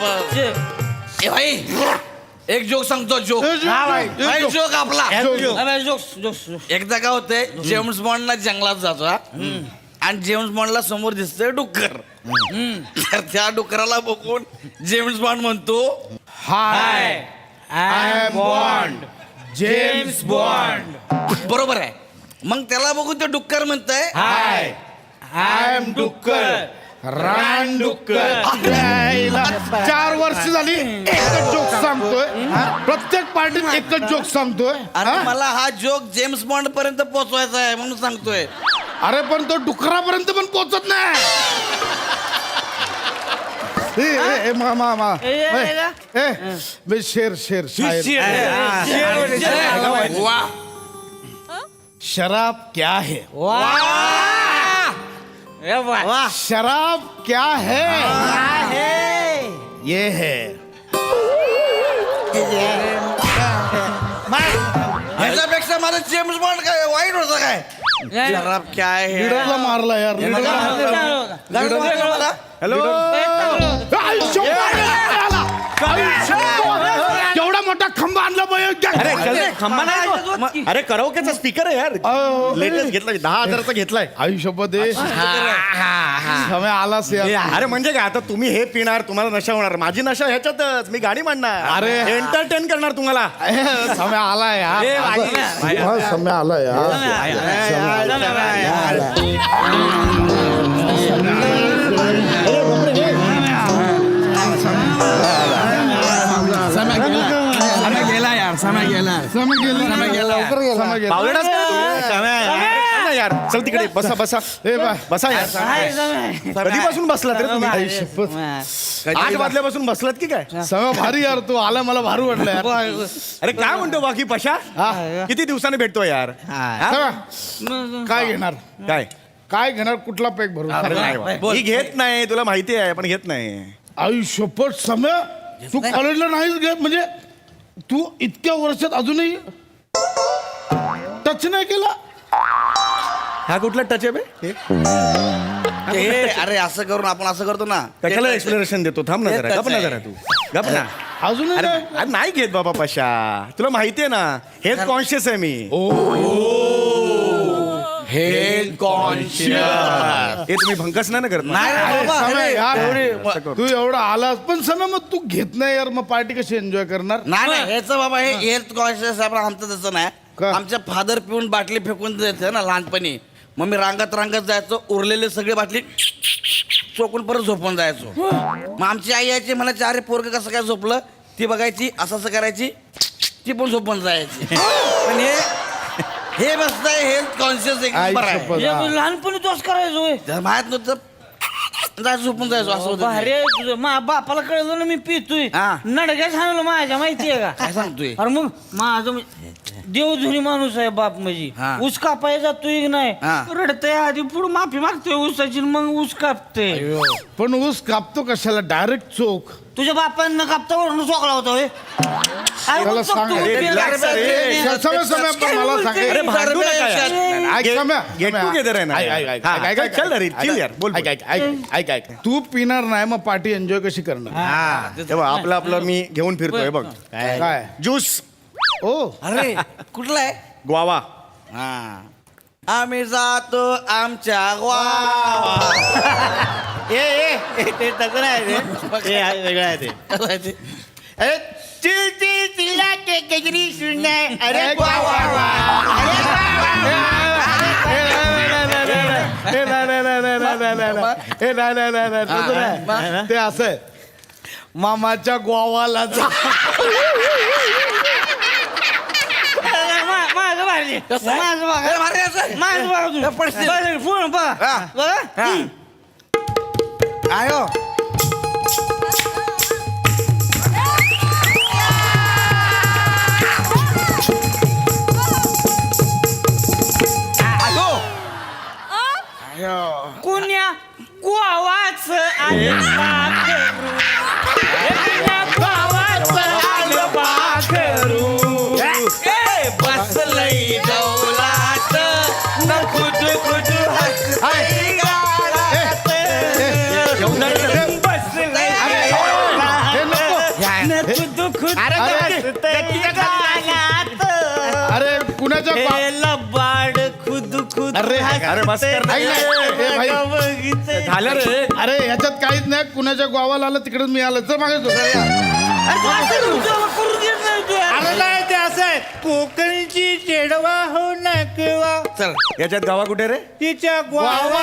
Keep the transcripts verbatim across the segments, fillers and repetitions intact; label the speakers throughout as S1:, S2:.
S1: ए भाई एक जोक सांगतो जोक जोक आपला एकदा काय होतंय जेम्स बॉन्डला जंगलात जातो हा आणि जेम्स बॉन्डला समोर दिसतोय डुक्कर तर त्या डुकराला बघून जेम्स बॉन्ड म्हणतो
S2: hi I am Bond James Bond.
S1: बरोबर आहे. मग त्याला बघून ते डुक्कर म्हणतंय
S2: हाय आय एम डुक्कर रान डुक्कर. चार वर्ष झाली एकच जोक सांगतोय प्रत्येक पार्टीत एकच जोक सांगतोय.
S1: आणि मला हा जोक जेम्स बॉन्ड पर्यंत पोहोचवायचा आहे म्हणून सांगतोय.
S2: अरे पण तो डुकरापर्यंत पण पोहोचत नाही. ए, ए, ए, मा, मा, मा. ए, ए, बे, शेर शेर शायर.
S1: वा
S2: शराब क्या है शराब क्या है ये है
S1: ह्याच्यापेक्षा माझं जेम्स बॉन्ड काय वाईट होतं काय शराब काय आहे
S2: लीडरला मारला यार.
S1: हॅलो
S2: केवढा मोठा खंबा आणला
S3: अरे खंबा नाही अरे कराओकेचा स्पीकर आहे यार. लेटेस्ट घेतलाय दहा हजाराचा घेतलाय.
S2: आयुष्यपत समय आलास यार.
S3: अरे म्हणजे काय आता तुम्ही हे पिणार तुम्हाला नशा होणार माझी नशा ह्याच्यातच मी गाडी मांडणार
S2: अरे.
S3: एंटरटेन करणार तुम्हाला.
S2: समय आला यार. समय आला
S4: गेला यार समय गेला
S2: समय गेला समय गेला लवकर गेला समय गेला.
S3: बावळेडाच का तू? ना यार चल तिकडे बसा बसा
S2: ए बा
S3: बसा यार. कधीपासून बसलात रे तुम्ही?
S2: आयुष्यपत
S3: आठ वाजल्यापासून बसलात की काय?
S2: समय भारी यार. तू आला मला भारी वाटलं यार.
S3: अरे काय म्हणतो बाकी पशा किती दिवसाने भेटतो यार? हा?
S2: समय, काय घेणार
S3: काय
S2: काय घेणार कुठला पॅक भरून
S3: अरे नाही बा. मी घेत नाही तुला माहिती आहे पण घेत नाही.
S2: आयुष्यपत समय तू कॉलेजला नाहीच घेत म्हणजे तू इतक्या वर्षात अजूनही टच नाही केला.
S3: हा कुठला टच आहे बे?
S1: हे, अरे असं करून आपण असं करतो ना
S3: कशाला एक्सप्लेनेशन देतो? थांब ना जरा गप ना जरा तू गप ना.
S2: अजूनही
S3: अरे
S2: नाही.
S3: अरे नाही घेत बाबा पशा तुला माहिती आहे ना हेल्थ कॉन्शियस आहे मी.
S1: हेल्थ कॉन्शियस
S3: हे तुम्ही भंकस नाही ना करत ना?
S1: नाही रे
S2: अरे,
S1: बाबा,
S2: समय
S1: अरे,
S2: यार
S1: एवढे-
S2: तू एवढा आलास पण समय मग तू घेत नाही यार. मग पार्टी कशी एन्जॉय करणार?
S1: नाही नाही ह्याचं बाबा हे हेल्थ कॉन्शियस आहे पण आमचं तसं नाही.
S2: का?
S1: आमच्या फादर पिऊन बाटली फेकून द्यायचं ना लहानपणी. मग मी रांगत रांगत जायचो उरलेले सगळे बाटली चोकून परत झोपून जायचो. मग आमची आई यायची म्हणायची अरे पोरग कसं काय झोपलं ती बघायची असं असं करायची ती पण झोपून जायची. पण हे हे बसतंय हेल्थ कॉन्शियस एक नंबर आहे.
S2: आयुष्यपत, हा.
S5: लहानपणी तोच करायचो
S1: जर माहित नव्हतं जायचं झोपून जायचो असं होतं
S5: भारी
S1: ते.
S5: आहे तुझं. मा बापाला कळलं ना मी पितोय
S1: हा.
S5: नडक्याच हाणलं माझ्या माहितीये का?
S1: काय सांगतोय
S5: अरे मग माझं म्हणजे देवधुनी माणूस आहे बाप म्हणजे
S1: हा.
S5: ऊस कापाय जातोय की नाही
S1: हा.
S5: रडतय आधी पुढे माफी मागतोय ऊसाची मग ऊस कापते.
S2: पण ऊस कापतो कशाला डायरेक्ट चोख.
S5: तुझ्या बापांना कापता वरून चोकला होता होय. अरे
S2: त्याला
S5: मग
S2: सांग.
S5: बघतो,
S2: अरे,
S5: उद्या
S3: relax
S5: लागतं.
S3: रे.
S2: समय समय पण मला सांग.
S3: अरे भांडू नका यार.
S2: ऐक समय
S3: गेट टुगेदर आहे ना.
S2: ऐक, ऐक, ऐक,
S3: हा,
S2: ऐक, ऐक,
S3: चल रे,
S2: ऐक,
S3: chill यार, बोल,
S2: ऐक,
S3: बोल.
S2: ऐक, ऐक, ऐक, ऐक. तू पिणार नाही मग पार्टी एन्जॉय कशी करणार?
S3: तेव्हा आपलं आपलं मी घेऊन फिरतोय बघ
S2: काय
S3: ज्यूस
S2: ओ
S1: अरे कुठला आहे
S3: ग्वावा.
S1: हा आम्ही जातो आमच्या गावा.
S3: ए ए ते तसं नाही रे. ते आहे, वेगळं आहे ते. अरे चिल चिल चिला के गजरी सुनना अरे वा वा वा अरे वा वा
S2: ए, नाही, नाही, नाही, नाही, नाही, नाही, नाही, नाही. ए, नाही, नाही, नाही, नाही, तसं नाही. ते असं आहे. मामाच्या गोवाला जा.
S5: मा- माझं भारी
S1: कसं आहे?
S5: माझं बघा.
S1: अरे भारी असं आहे.
S5: माझं बघा तुम्ही.
S1: पडशील.
S5: बघा, पूर्ण बघा.
S1: हा.
S5: बघा.
S1: हा. आयो
S5: कुण्या गोवाच आलं पाखरू. कुण्या गोवाचं आलं पाखरू. ए, बसलंय डौलात न खुद खुद हसतंय गालात. बसलंय
S2: हे कुणाच्या गा-
S5: हे लबाड खुद खुद
S2: अरे,
S3: अरे, बस कर ना.
S2: नाही, नाही, ए, भाई.
S5: बघितलंय.
S3: झालं रे
S2: अरे ह्याच्यात काहीच नाही कुणाच्या गावाला आलं तिकडेच मी आलं तर मागे
S5: अरे तू असं तुझं करून घेत नाही तू यार.
S3: अरे नाही ते असं आहे कोकणची चेडवा हो नकवा
S1: चल
S3: याच्यात गावा कुठे रे
S5: तिच्या ग्वावा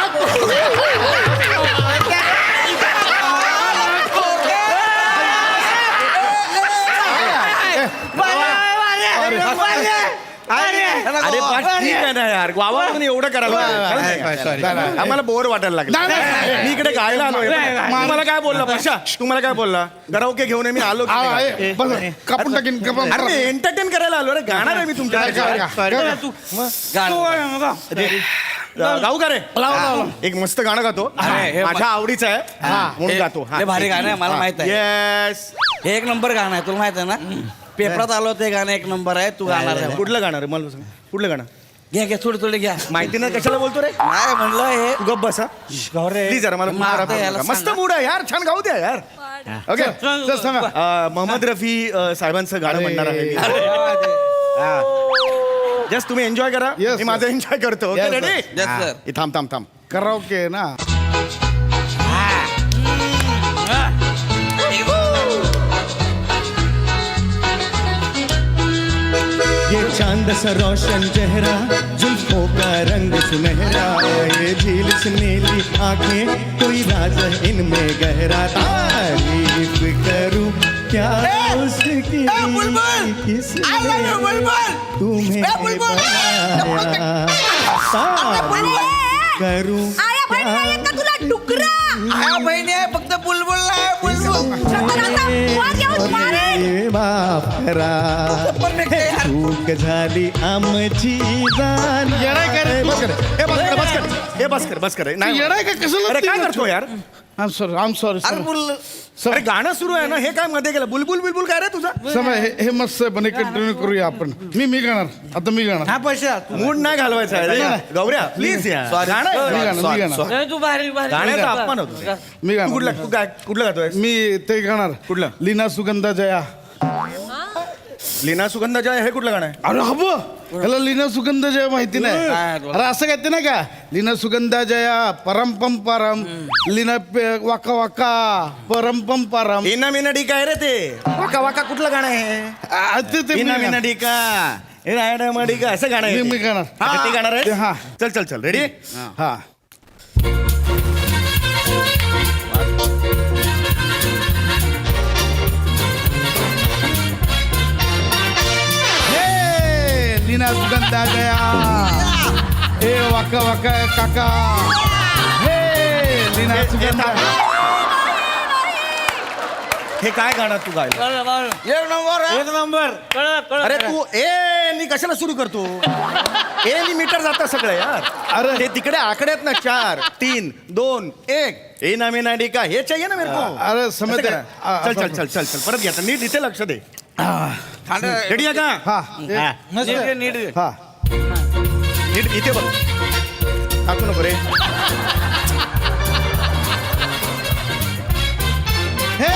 S3: अरे पण ठीक आहे ना यार गावा म्हणून एवढं करायला
S2: sorry.
S3: आम्हाला बोर वाटायला लागलं
S2: नाही, नाही, नाही.
S3: मी इकडे गायला आलोय तुम्हाला काय बोलला पशा तुम्हाला काय बोलला गरावके घेऊन मी आलो की
S2: आ,
S3: नाही?
S2: आहे. बस, कापून टाकीन कापून
S3: अरे एंटरटेन करायला आलो रे गाणार आहे मी तुमच्या
S2: गा-
S5: तू
S1: गाणं.
S3: गाऊ का रे
S2: लावा, लावा.
S3: एक मस्त गाणं गातो
S1: अरे, हे
S3: माझ्या आवडीचं आहे म्हणून
S1: हे-
S3: गातो
S1: हे भारी गाणं आहे मला माहित आहे
S3: येस
S1: हे एक नंबर गाणं आहे तुला माहित आहे ना पेपरात आलो ते गाणं एक नंबर आहे तू गाणार आहे
S3: कुठलं गाणं रे मला सांग कुठलं गाणं
S1: घ्या घ्या थोडे थोडे घ्या
S3: माहिती नाही कशाला बोलतो रे
S1: नाही म्हणलं हे
S3: तू गप बस हा प्लीज जरा मला
S1: मग आता याला
S3: मस्त
S1: सांगा.
S3: मूड आहे यार छान गाऊ द्या यार ओके
S2: चल, सांगा.
S3: मोहम्मद रफी अ, साहेबांचं गाणं
S2: अरे.
S3: म्हणणार आहे जस्ट तुम्ही एन्जॉय करा
S2: Yes,
S3: मी माझं एन्जॉय करतो okay
S2: Yes, sir.
S3: Ready
S1: Yes, sir.
S3: थांब थांब थांब
S2: कराओके ना
S6: ये चांद सा रोशन चेहरा जुल्फों का रंग सुनहरा ये झील से नीली आंखें कोई राज है इनमें गहरा तारीफ करूं क्या उसकी किसने तुम्हें बनाया तारीफ करूं
S7: आया बहीण नाही का तुला डुकरा
S1: आया बहिणी आहे फक्त बुलबुल नाही बुलबुल
S7: शतराचा वर येऊन मारेन
S6: ये बापरा चूक झाली आमची जाण
S3: येडाय कर रे, बस कर हे बस कर बस कर हे बस कर बस कर नाही
S2: येडाय का कशाला
S3: अरे काय
S2: ते-
S3: करतो यार
S2: आम सॉरी आम सॉरी
S1: अरे बुल
S3: अरे गाणं सुरू आहे ना हे काय मध्ये गेलं बुलबुल बिलबुल काय रे तुझा
S2: समय हे हे मस्त आहे पण कंटिन्यू करूया आपण मी मी गाणार आता मी गाणार
S5: हा पैसा
S3: मूड नाही घालवायचा आहे रे. गौऱ्या प्लीज यार गाणं आहे.
S2: मी गाणार मी गाणार
S5: नाही, तू भारी भारी
S3: गाण्याचा अपमान होतो
S2: मी
S3: तू कुठला
S2: गाणार
S3: तू काय कुठलं गातोय
S2: मी ते गाणार
S3: कुठलं?
S2: लीना सुगंधा जया
S3: लीना सुगंधा जय हे कुठलं गाणं आहे
S2: अरे हब याला लीना सुगंध जया माहिती नाही
S1: काय बोला?
S2: अरे असं कहते ना का लीना सुगंधा जया परम पम परम लीना पे- वाका वाका परम पम परम
S3: इना मिना डिका आहे रे ते वाका वाका कुठलं गाणं आहे
S2: आ, ते ते मी
S3: इना मिना
S2: गाणार.
S3: डिका हे रायडा मडिका असं गाणं आहे
S2: मी-
S3: ते.
S2: मी गाणार.
S3: अच्छा, ते गाणार आहे
S2: ते, हा.
S3: चल चल चल रेडी
S2: हा हे, लीना सुगंधा जया ए वाका वाका काका हे लीना सुगंधा
S3: हे काय गाणं तू गायलं
S5: कळलं, कळलं.
S1: एक नंबर आहे.
S5: एक नंबर कळलं कळलं
S3: अरे तू ए नी कशाला सुरू करतो ए नी मीटर जातं सगळं यार
S2: अरे.
S3: ते तिकडे आकडे आहेत ना चार तीन दोन एक ए ना मी ना डिका हे चाहिए ना मेरे को
S2: अरे, समझ
S3: असं
S2: गए.
S3: करा.
S2: आ,
S3: चल
S2: असं-
S3: चल चल चल चल परत घ्या नीट इथे लक्ष दे
S1: थंड
S3: रेडी आहे का
S2: हा
S1: नीट घे, नीट घे.
S2: हा
S3: नीट इथे बघ टाकू नको रे
S2: हे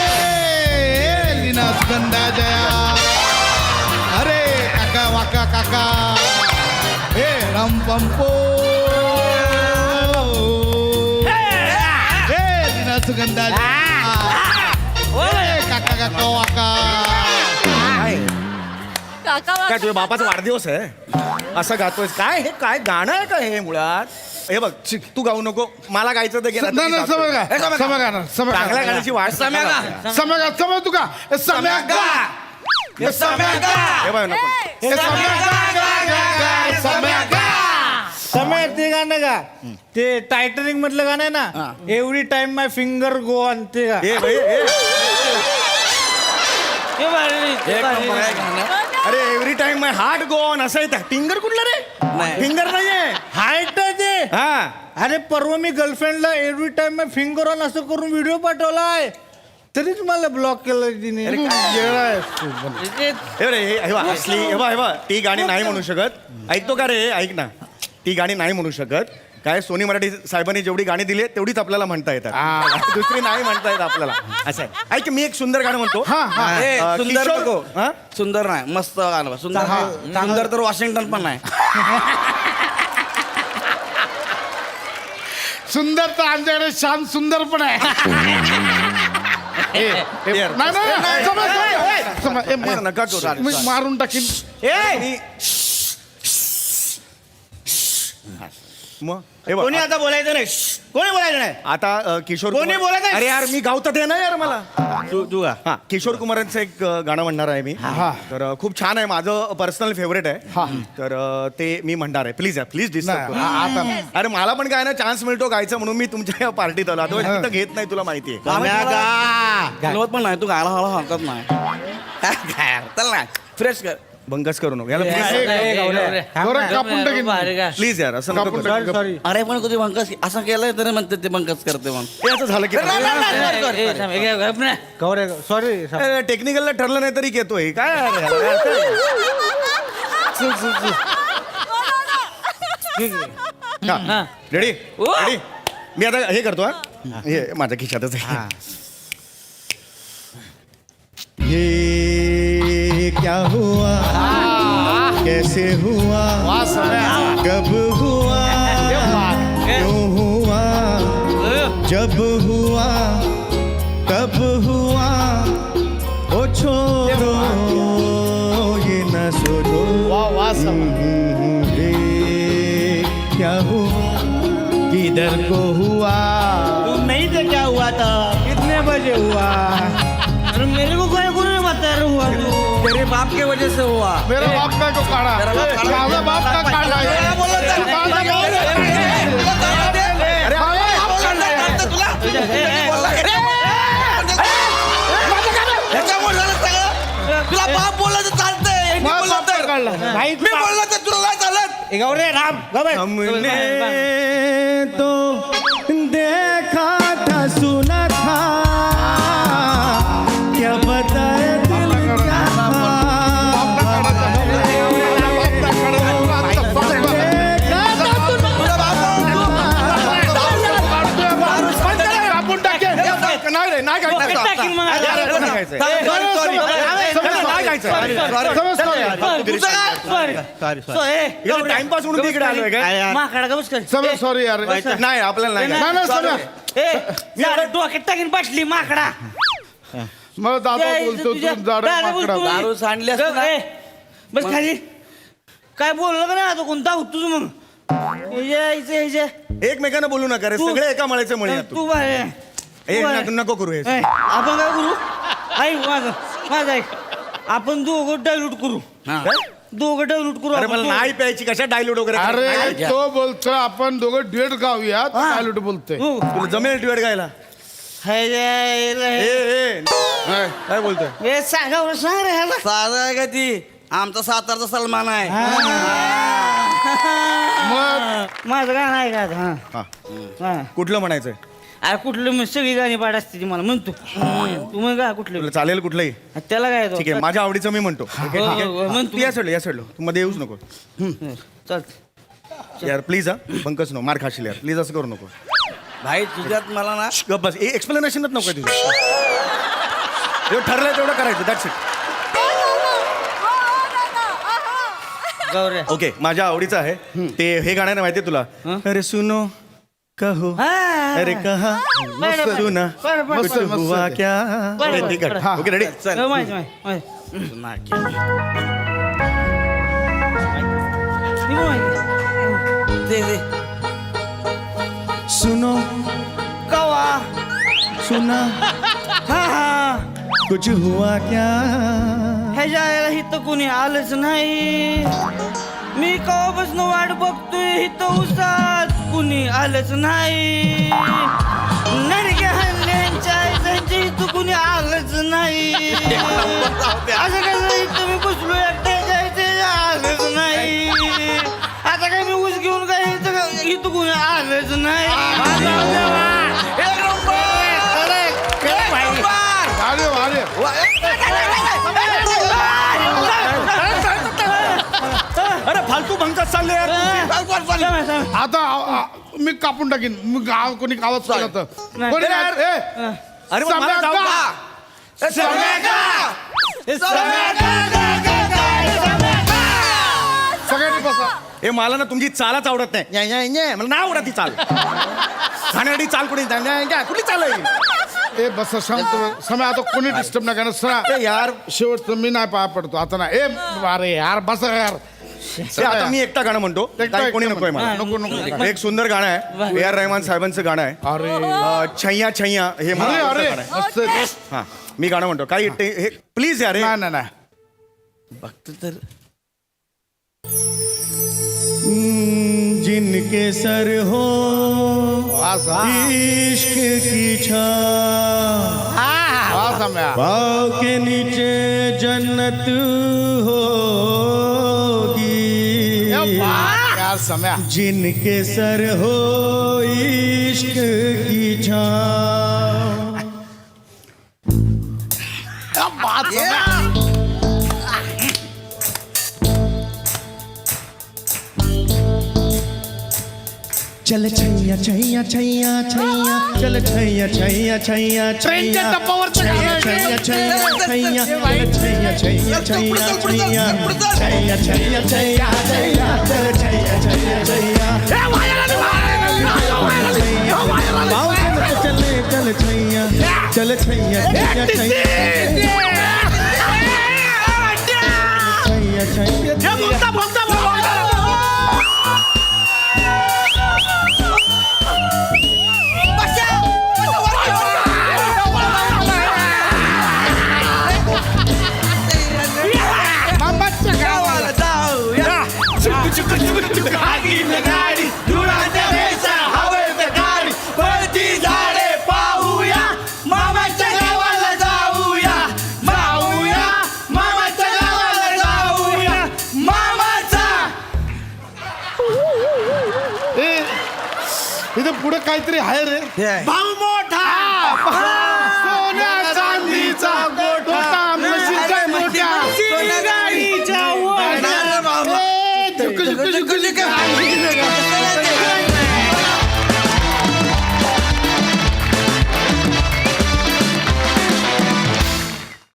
S2: लीना सुगंधा जया अरे काका वाका काका हे रम पंपो हे लीना सुगंधा जया हे काका काका वाका
S3: काय
S7: काका
S3: काय तुझ्या बापाचा वाढदिवस आहे असं गातोय काय हे काय गाणं आहे का हे मुळात हे बघ शिक, तू गाऊ नको मला गायचं तर गेलं
S2: नाही नाही समय
S1: हे
S2: का
S1: समय
S2: समय गाणार समय
S3: चांगल्या
S2: गाणार.
S3: गाण्याची वाट
S1: सम्या गा.
S2: समय गा समय तू का हे समय गा हे समय गा
S3: हे बघ नको
S2: हे समय गा गा गा गा समय गा
S5: समय ते गाणं का ते टायटनिक मधलं गाणं आहे ना every time my finger go on ते का
S3: हे भाई हे
S5: ते भारी, ते
S1: एक
S5: भारी.
S1: नंबर आहे गाणं.
S3: अरे every time my heart go on असं येतं फिंगर कुठलं रे
S1: नाही.
S3: फिंगर नाहीये
S5: हायट आहे ते
S3: हा
S5: अरे परवा मी गर्लफ्रेंडला every time my finger on असं करून व्हिडिओ पाठवलाय तरीच मला ब्लॉक केलं तिने
S2: तू येडा आहेस तू पण.
S5: ते-
S3: हे रे हे हे बघ, असली हे बघ, हे बघ, ती गाणी नाही म्हणू शकत ऐकतो का रे ऐक ना ती गाणी नाही म्हणू शकत काय सोनी मराठी साहेबांनी जेवढी गाणी दिली आहेत, तेवढीच आपल्याला म्हणता येतात दुसरी नाही म्हणता येत आपल्याला. असं आहे. ऐक मी एक सुंदर गाणं म्हणतो.
S2: हा हा
S1: ए,
S3: अं,
S1: सुंदर
S3: किशोर-
S1: नको.
S3: हा?
S1: सुंदर नाही, मस्त गाणं बा. सुंदर सुंदर तर वॉशिंग्टन पण नाही.
S2: सुंदर तर आमच्याकडे शांत सुंदर पण आहे. ए, ए,
S3: यार.
S2: नाही, नाही, नाही, समज, समज, समज. ए,
S3: ए, नका करू.
S2: मा- मी मारून टाकीन.
S3: ए! मग हे बघ,
S1: कोणी आता बोलायचं नाही. कोणी बोलायचं नाही.
S3: आता अ, किशोर
S1: कोणी
S3: कुमार-
S1: बोलत आहे?
S3: अरे यार मी गावता दे ना यार मला.
S1: तू तू गा.
S3: हा किशोर कुमारांचं एक अ, गाणं म्हणणार आहे मी.
S2: हा.
S3: तर अ, खूप छान आहे, माझं पर्सनल फेवरेट आहे. तर अ, ते मी म्हणणार आहे. प्लीज प्लीज डिस्टर्ब
S2: नाही,
S3: करू.
S2: आ- आता
S3: अरे मला पण काय ना चान्स मिळतो गायचं म्हणून मी तुमच्या पार्टीत आलो. आता तिथं घेत नाही, तुला माहिती आहे.
S1: बोलवत पण नाही. तू गायला हळू हरकत नाही. काय चल ना फ्रेश कर.
S3: बंकस करू नको याला
S2: गौरव कापून टाकीन.
S3: प्लीज यार असं नको
S2: कापून
S3: करू.
S2: टाकीन.
S5: सॉरी
S1: अरे पण कधी बंकस असं केलंय तरी म्हणते ते बंकस करते म्हणून.
S3: हे असं झालं की
S5: गौरे सॉरी
S3: टेक्निकलला ठरलं नाही तरी येतोय काय यार? रेडी रेडी मी आता हे करतो हा हे माझ्या खिशातच आहे.
S6: ये क्या हुआ कैसे हुआ कब हुआ क्यों हुआ जब हुआ कब हुआ ओ छोड़ो ये न सोचो ये क्या हुआ किधर को हुआ
S3: नहीं तो क्या हुआ था
S5: कितने बजे हुआ
S3: मेरे को कोई गुरु बता रहा हुआ तू
S1: तेरे बाप के वजह से हुआ.
S2: मेरा बाप का को काढा.
S1: मेरा बाप काढा.
S2: माझा बाप का काढा.
S1: मला बोलत नाही.
S2: माझा बाप का काढा.
S1: अरे काढतं तुला. बोलला. ह्याच्यामुळे झालं सगळं. तुला बाप बोलला तर चालतंय. मी
S2: माझा
S1: बोलला
S2: बाप का
S1: तर
S2: काढला.
S5: नाही
S1: मी बोलला तर तुला नाही चालत.
S5: गौरे राम गौरे
S6: हमने तो देखा था सुना था क्या बताए दिल क्या
S2: कापून टाकेन. नाही रे, नाही गायचं.
S1: Sorry, sorry.
S2: समज, नाही गायचं. समज, sorry.
S3: टाइमपास म्हणून तिकडे आलोय काय
S2: समज, sorry यार.
S3: नाही आपल्याला नाही
S2: नाही, नाही, समज.
S8: डोक्यात टाकीन बसली माकडा
S2: मग दादा
S8: जय-
S2: बोलतो
S8: तुझ्या-
S2: तू जाड
S8: दादा
S2: माकडा.
S8: बोलतो.
S1: दारू सांडली असती ना.
S8: ए, बस खाली काय बोललं का नाही आता कोणता होतोस मग ह्याच्या- ह्याच्या- ह्याच्या.
S3: एकमेकांना बोलू नका रे
S8: तू-
S3: सगळे एका मळ्याचे मळी आहात
S8: तू
S3: तू.
S8: बाहेर
S3: ए,
S8: तू बाहेर.
S3: नको- नको करू हे.
S8: ए, आपण काय करू ऐक माझं माझं ऐक आपण दोघं डायल्यूट करू दोघं डायल्यूट करू
S3: अरे
S8: आपण
S3: मला
S8: दोघं.
S3: नाही प्यायची कशा डायल्यूट वगैरे
S2: अरे तो बोलतोय आपण दोघं डेट गाऊया चालूट बोलतोय.
S8: हो.
S3: तुला जमेल ड्युएट गायला
S8: ह्याच्या-
S3: ए
S8: ह्याच्या-
S3: ए काय बोलतोय
S8: हे सांगा बरं, सांग रे ह्याला
S1: साधा आहे का ती आमचा सातारचा सलमान आहे.
S2: मग
S8: माझं गाणं आहे का आता? हा
S3: हा
S8: हा
S3: कुठलं म्हणायचंय
S8: अरे कुठलं मग सगळी गाणी पाठ असते ती मला म्हणतो तू मग का कुठलं
S3: तुला चालेल कुठलंही
S8: त्याला काय येतो?
S3: ठीक आहे माझ्या आवडीचं मी म्हणतो ठीक आहे, ठीक
S8: हो, हो,
S3: आहे
S8: म्हण
S3: तू या सोडलं या सोडलं तू मध्ये येऊच नको
S8: चालतं
S3: यार प्लीज हा पंकज नो मार खाशील यार प्लीज असं करू नको
S1: भाई तुझ्यात मला ना
S3: गप बस एक्सप्लेनेशनच नको तुझं जेवढं ठरलंय तेवढं करायचं दॅट्स इट
S8: गौऱ्या
S3: ओके माझ्या आवडीचं आहे ते हे गाणं माहिती तुला अरे सुनो कहो
S8: हा.
S3: अरे कहा
S8: बरं, बरं.
S3: सुना
S8: बरं, बरं,
S3: कुछ
S2: बरं, बरं.
S3: हुआ क्या
S8: बरं,
S3: अरे, ठीक आहे
S8: बरं.
S3: ओके रेडी
S1: चल
S8: हो, माहिती माहिती माहिती.
S1: नाकी.
S8: ती पण माहिती.
S1: दे दे
S6: सुनो
S8: कवा
S6: सुना
S8: हा हा
S6: कुछ हुआ क्या
S8: ह्याच्या आईला इथं कोणी आलंच नाही मी कवापासून वाट बघतोय इथं उसात कुणी आलंच नाही नडक्या हल्ल्यांच्या आईच्या इथं कुणी आलंच नाही असं कसं इथं मी बसलो एकट्याच्या इथे आलंच नाही आता काय मी ऊस घेऊन काय इथं इथं कुणी आलंच नाही
S1: एक नंबर! एक नंबर!
S2: अरे अरे
S1: अरे फालतू
S6: फालतू भंगत चालले यार तुमचे.
S1: चाल, चाल, चाल.
S8: समय, समय.
S2: आता आ- आ- मी कापून टाकीन मी गाव कोणी गावात चाललं तर
S8: नाही.
S2: कोणी
S6: ए,
S2: यार, ए,
S6: अरे मग मला
S2: सम्या
S6: जाऊ
S2: का?
S6: का?
S1: सम्या का?
S2: सगळ्यांनी बसा
S6: ए मला ना तुमची चालच आवडत नाही न्या, न्या, न्या. मला नाही आवडत ती चाल खाण्यासाठी चाल कुठे न्या, न्या, न्या. कुठली चाल आहे ही?
S2: ए बस शांत समय आता कोणी डिस्टर्ब नाही करणार सरा
S6: ए, यार
S2: शेवटचं मी नाही पाया पडतो आता ना ए अरे यार बस यार
S6: ए, आता मी एकटा गाणं म्हणतो
S2: एकटा-
S6: काही कोणी
S2: एकटा
S6: नकोय मला
S2: नको नको
S6: एक सुंदर गाणं आहे ए आर रहमान साहेबांचं गाणं आहे
S2: अरे
S6: अं, छैया छैया हे मला
S2: अरे
S6: आवडतं
S2: अरे
S6: गाणं आहे.
S2: मस्त आहे.
S6: हा मी गाणं म्हणतो काही ते- हे प्लीज यार हे.
S2: नाही नाही नाही
S1: बघतो तर
S6: जिनके सर हो
S2: वास हा.
S6: इश्क की छाँव
S2: वास सम्या.
S6: पाँव के नीचे जन्नत होगी
S2: ए, वाह, यार सम्या
S6: जिनके सर हो इश्क की छाँव
S2: क्या बात सम्या.
S6: चल छैया छैया छैया छैया चल छैया छैया छैया
S2: ट्रेनच्या
S6: छैया
S2: टप्पावरचं गाणं आहे
S6: छैया
S2: ते.
S6: छैया छैया चल छैया छैया छैया छैया छैया छैया छैया छैया चल छैया छैया छैया पाँव के मत चले चल छैया चल छैया छैया छैया छैया छैया
S2: मामाच्या गावाला
S3: गाडी धुळाच्या रेषा हवेत गाडी पळती झाडे पाहूया मामाच्या गावाला जाऊया जाऊया मामाच्या गावाला जाऊया मामाचा
S2: ए इथे पुढे काहीतरी आहे रे
S3: भाऊ मोठा
S2: सोन्या चांदीचा गोठा म्हशीचा मोठा
S8: गाडीच्या वर.
S2: ए, झुक, झुक, झुक, झुक.